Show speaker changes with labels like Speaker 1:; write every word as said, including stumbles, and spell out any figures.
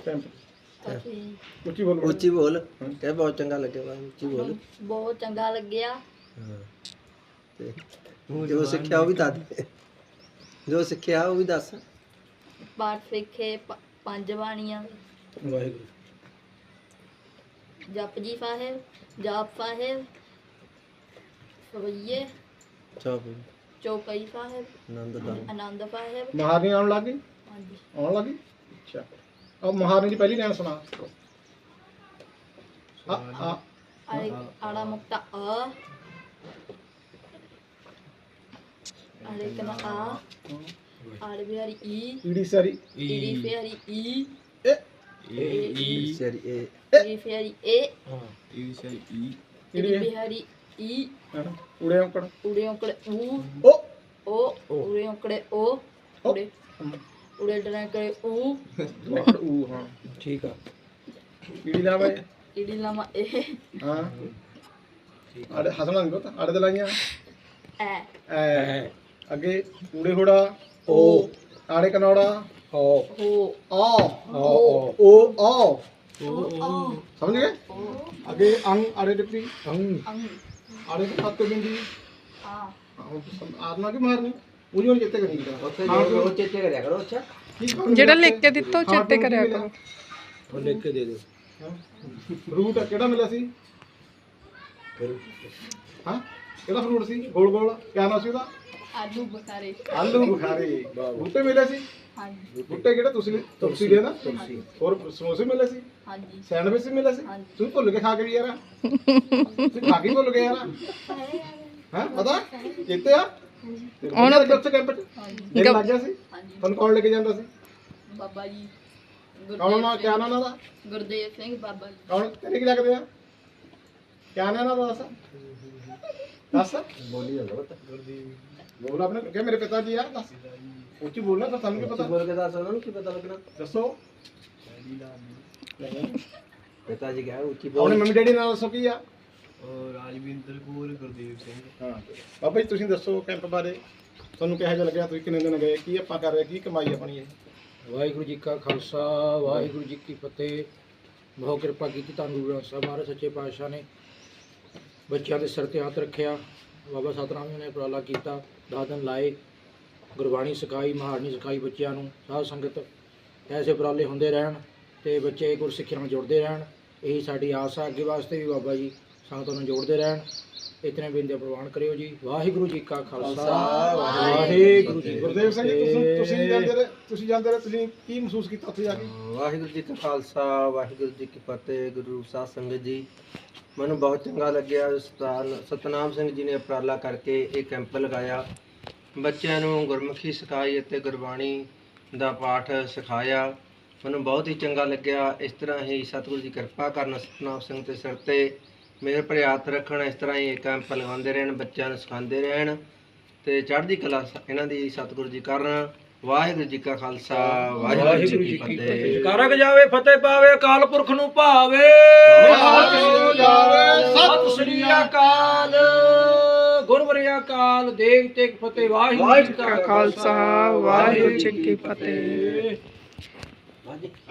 Speaker 1: Camp
Speaker 2: ਅਸੀਂ
Speaker 1: ਉੱਚੀ ਬੋਲ
Speaker 3: ਉੱਚੀ ਬੋਲ ਕਹਿ ਬਹੁਤ ਚੰਗਾ ਲੱਗਿਆ ਵਾ ਉੱਚੀ ਬੋਲ
Speaker 2: ਬਹੁਤ ਚੰਗਾ ਲੱਗਿਆ।
Speaker 3: ਹਾਂ ਤੇ ਜੋ ਸਿੱਖਿਆ ਉਹ ਵੀ ਦੱਸ ਦੇ। ਜੋ ਸਿੱਖਿਆ ਉਹ ਵੀ ਦੱਸ।
Speaker 2: ਪਾਠ ਸਿੱਖੇ ਪ- ਪੰਜ ਬਾਣੀਆਂ,
Speaker 1: ਵਾਹਿਗੁਰੂ
Speaker 2: ਜਪਜੀ ਸਾਹਿਬ, ਜਾਪ ਸਾਹਿਬ, ਸਵਈਏ,
Speaker 3: ਚਾਪ
Speaker 2: ਚੌਪਈ ਸਾਹਿਬ,
Speaker 3: ਆਨੰਦ ਦਾ
Speaker 2: ਆਨੰਦ ਸਾਹਿਬ।
Speaker 1: ਮਹਾਰਾਣੀ ਆਉਣ ਲੱਗ ਗਈ
Speaker 2: ਹਾਂਜੀ
Speaker 1: ਆਉਣ ਲੱਗੀ ਅੱਛਾ अब महारानी की पहली लाइन सुना आ आ
Speaker 2: ਆੜੇ ਆੜਾ ਮੁਕਤਾ ਆ, ਆੜੇ ਕਨਾ ਆ, ਆੜੇ ਬਿਹਾਰੀ ਈ,
Speaker 1: ईडी सारी
Speaker 2: ਈੜੀ ਫਿਆਰੀ ਈ,
Speaker 1: ए
Speaker 3: ਸਰੀ ਇਹ
Speaker 2: ਈੜੀ ਫਿਆਰੀ ਏ,
Speaker 1: ईडी
Speaker 2: ਈੜੀ ਬਿਹਾਰੀ ਈ,
Speaker 1: हाँ, उड़े औकड़
Speaker 2: ਉੜੇ ਔਂਕੜੇ ਊ,
Speaker 1: ओ
Speaker 2: ਓ, ਉੜੇ ਔਂਕੜੇ ਓ, ਉੜੇ ਉੜੇ ਡਰੈਂਕੜੇ ਊ,
Speaker 1: ऊ हाँ
Speaker 3: ਠੀਕ ਆ
Speaker 1: ईडी ला भाई
Speaker 2: ਈੜੀ ਲਾਮਾ ਏ,
Speaker 1: हाँ आड़े हसना नहीं पता आड़े दलाइयां
Speaker 2: ਐ,
Speaker 1: ए आगे उड़े होड़ा
Speaker 2: ਓ,
Speaker 1: आड़े कनौड़ा
Speaker 3: ਓ
Speaker 2: ਹੋ,
Speaker 1: आ
Speaker 2: ਓ,
Speaker 1: ओ आ
Speaker 2: ਓ, ਆ,
Speaker 1: समझ गए
Speaker 2: ਓ,
Speaker 1: आगे अंग आड़े टिप्पी
Speaker 3: ਅੰਗ
Speaker 2: ਅੰਗ,
Speaker 1: आड़े के साथ बिंदी
Speaker 2: ਆ,
Speaker 1: आरना की मारनी मुझे नहीं चेते करनी
Speaker 3: ਉੱਥੇ ਜੋ ਉਹ ਚੇਤੇ ਕਰਿਆ ਕਰੋ ਅੱਛਾ
Speaker 4: ਜਿਹੜਾ ਲਿਖ ਕੇ ਦਿੱਤਾ ਉਹ ਚੇਤੇ ਕਰਿਆ ਕਰੋ।
Speaker 3: ਉਹ ਲਿਖ ਕੇ ਦੇ ਦਿਓ
Speaker 1: ਫਰੂਟ ਕਿਹੜਾ ਮਿਲਿਆ ਸੀ ਹਾਂ ਕਿਹੜਾ ਫਰੂਟ ਸੀ ਗੋਲ ਗੋਲ ਕਿਆ ਨਾਮ ਸੀ ਉਹਦਾ
Speaker 2: ਆਲੂ ਬਖਾਰੇ।
Speaker 1: ਆਲੂ ਬੁਖਾਰੇ ਬੂਟੇ ਮਿਲੇ ਸੀ
Speaker 2: ਹਾਂਜੀ
Speaker 1: ਬੂਟੇ ਕਿਹੜੇ ਤੁਸੀਂ ਤੁਲਸੀ ਦੇ ਨਾ ਹੋਰ ਸਮੋਸੇ ਮਿਲੇ ਸੀ
Speaker 2: ਹਾਂਜੀ
Speaker 1: ਸੈਂਡਵਿਚ ਵੀ ਮਿਲੇ ਸੀ
Speaker 2: ਹਾਂਜੀ।
Speaker 1: ਤੁਸੀਂ ਭੁੱਲ ਕੇ ਖਾ ਕੇ ਵੀ ਯਾਰ ਤੁਸੀਂ ਖਾ ਕੇ ਭੁੱਲ ਗਏ ਯਾਰ ਹਾਂ ਪਤਾ ਚੇਤੇ ਆ ਹੁਣ ਉੱਥੇ ਕੈਂਪ ਚ ਦਿਨ ਲੱਗ ਗਿਆ ਸੀ
Speaker 2: ਹਾਂਜੀ
Speaker 1: ਤੁਹਾਨੂੰ ਕੌਣ ਲੈ ਕੇ ਜਾਂਦਾ ਸੀ
Speaker 2: ਬਾਬਾ ਜੀ
Speaker 1: ਕੌਣ ਨਾ ਕਿਆ ਨਾਮ ਉਹਦਾ
Speaker 2: ਗੁਰਦੇਵ ਸਿੰਘ ਬਾਬਾ ਜੀ।
Speaker 1: ਕੌਣ ਤੇਰੇ ਕੀ ਲੱਗਦੇ ਆ ਕਿਆ ਨਾਮ ਉਹਦਾ ਦੱਸ ਦੱਸ
Speaker 3: ਬੋਲੀ ਜਾਂਦਾ ਬਤਾ
Speaker 1: ਬੋਲ ਆਪਣੇ ਕਿ ਮੇਰੇ ਪਿਤਾ ਜੀ ਆ ਦੱਸ ਉੱਚੀ ਬੋਲਣਾ ਤਾਂ ਤੁਹਾਨੂੰ ਕੀ ਪਤਾ
Speaker 3: ਬੋਲ ਕੇ ਦੱਸ ਉਹਨਾਂ ਨੂੰ ਕੀ ਪਤਾ ਲੱਗਣਾ
Speaker 1: ਦੱਸੋ
Speaker 3: ਪਿਤਾ ਜੀ ਕਹਿਆ ਉੱਚੀ
Speaker 1: ਆਪਣੇ
Speaker 3: ਬੋਲ
Speaker 1: ਮੰਮੀ ਡੈਡੀ ਨਾਲ ਦੱਸੋ ਕੀ ਆ
Speaker 5: ਰਾਜਵਿੰਦਰ ਕੌਰ ਗੁਰਦੇਵ ਸਿੰਘ।
Speaker 1: ਹਾਂ ਬਾਬਾ ਜੀ ਤੁਸੀਂ ਦੱਸੋ ਕੈਂਪ ਬਾਰੇ ਤੁਹਾਨੂੰ ਕਿਹੋ ਜਿਹਾ ਲੱਗਿਆ ਤੁਸੀਂ ਕਿੰਨੇ ਦਿਨ ਗਏ ਕੀ ਆਪਾਂ ਕਰ ਰਹੇ ਕੀ ਕਮਾਈ ਆਪਣੀ ਇਹ
Speaker 6: ਵਾਹਿਗੁਰੂ ਜੀ ਕਾ ਖਾਲਸਾ ਵਾਹਿਗੁਰੂ ਜੀ ਕੀ ਫਤਿਹ। ਬਹੁਤ ਕਿਰਪਾ ਕੀਤੀ ਧੰਨ ਗੁਰੂ ਗ੍ਰੰਥ ਸਾਹਿਬ ਮਹਾਰਾਜ ਸੱਚੇ ਪਾਤਸ਼ਾਹ ਨੇ ਬੱਚਿਆਂ ਦੇ ਸਿਰ ਤੇ ਹੱਥ ਰੱਖਿਆ। ਬਾਬਾ ਸਤਨਾਮ ਜੀ ਨੇ ਉਪਰਾਲਾ ਕੀਤਾ, ਦਸ ਦਿਨ ਲਾਏ, ਗੁਰਬਾਣੀ ਸਿਖਾਈ, ਮਹਾਰਣੀ ਸਿਖਾਈ ਬੱਚਿਆਂ ਨੂੰ। ਸਾਧ ਸੰਗਤ ਐਸੇ ਉਪਰਾਲੇ ਹੁੰਦੇ ਰਹਿਣ ਤੇ ਬੱਚੇ ਗੁਰਸਿੱਖਿਆ ਨਾਲ ਜੁੜਦੇ ਰਹਿਣ, ਇਹੀ ਸਾਡੀ ਆਸ ਆ। ਅੱਗੇ ਵਾਸਤੇ ਵੀ ਬਾਬਾ ਜੀ ਸੰਗਤਾਂ ਨੂੰ ਜੋੜਦੇ ਰਹਿਣ। ਇਤਨੇ ਬਿੰਦੇ ਪ੍ਰਵਾਨ ਕਰਿਓ ਜੀ। ਵਾਹਿਗੁਰੂ ਜੀ ਕਾ ਖਾਲਸਾ ਵਾਹਿਗੁਰੂ ਜੀ
Speaker 1: ਗੁਰਦੇਵ ਸਿੰਘ ਜੀ ਤੁਸੀਂ ਤੁਸੀਂ ਜਾਂਦੇ ਰਹੇ ਤੁਸੀਂ ਜਾਂਦੇ ਰਹੇ ਤੁਸੀਂ ਕੀ ਮਹਿਸੂਸ ਕੀਤਾ ਉੱਥੇ ਜਾ ਕੇ
Speaker 3: ਵਾਹਿਗੁਰੂ ਜੀ ਕਾ ਖਾਲਸਾ ਵਾਹਿਗੁਰੂ ਜੀ ਕੀ ਫਤਿਹ। ਗੁਰੂ ਸਾਧ ਸੰਗਤ ਜੀ ਮੈਨੂੰ ਬਹੁਤ ਚੰਗਾ ਲੱਗਿਆ। ਉਸਤਾਦ ਸਤਨਾਮ ਸਿੰਘ ਜੀ ਨੇ ਉਪਰਾਲਾ ਕਰਕੇ ਇਹ ਕੈਂਪ ਲਗਾਇਆ, ਬੱਚਿਆਂ ਨੂੰ ਗੁਰਮੁਖੀ ਸਿਖਾਈ ਅਤੇ ਗੁਰਬਾਣੀ ਦਾ ਪਾਠ ਸਿਖਾਇਆ। ਮੈਨੂੰ ਬਹੁਤ ਹੀ ਚੰਗਾ ਲੱਗਿਆ। ਇਸ ਤਰ੍ਹਾਂ ਹੀ ਸਤਿਗੁਰੂ ਜੀ ਕਿਰਪਾ ਕਰਨ ਸਤਨਾਮ ਸਿੰਘ ਦੇ ਸਿਰ ਤੇ ਮੇਰੇ ਭਰੇ ਹੱਥ ਰੱਖਣ। ਇਸ ਤਰ੍ਹਾਂ ਹੀ ਇਹ ਕੈਂਪ ਲਗਾਉਂਦੇ ਰਹਿਣ, ਬੱਚਿਆਂ ਨੂੰ ਸਿਖਾਉਂਦੇ ਰਹਿਣ ਤੇ ਚੜ੍ਹਦੀ ਕਲਾ ਇਹਨਾਂ ਦੀ ਸਤਿਗੁਰੂ ਜੀ ਕਰਨ। ਵਾਹਿਗੁਰੂ ਜੀ ਕਾ ਖਾਲਸਾ ਵਾਹਿਗੁਰੂ ਜੀ ਕੀ ਫਤਿਹ।
Speaker 6: ਕਰਕ ਜਾਵੇ ਫਤਿਹ ਪਾਵੇ, ਅਕਾਲ ਪੁਰਖ ਨੂੰ ਭਾਵੇ। ਸਤਿ ਸ੍ਰੀ ਅਕਾਲ। ਗੁਰਵਰਿਆ ਅਕਾਲ ਦੇਵ ਤੇਗ ਫਤਿਹ। ਵਾਹਿਗੁਰੂ ਜੀ ਕਾ
Speaker 4: ਖਾਲਸਾ ਵਾਹਿਗੁਰੂ ਜੀ ਕੀ ਫਤਿਹ।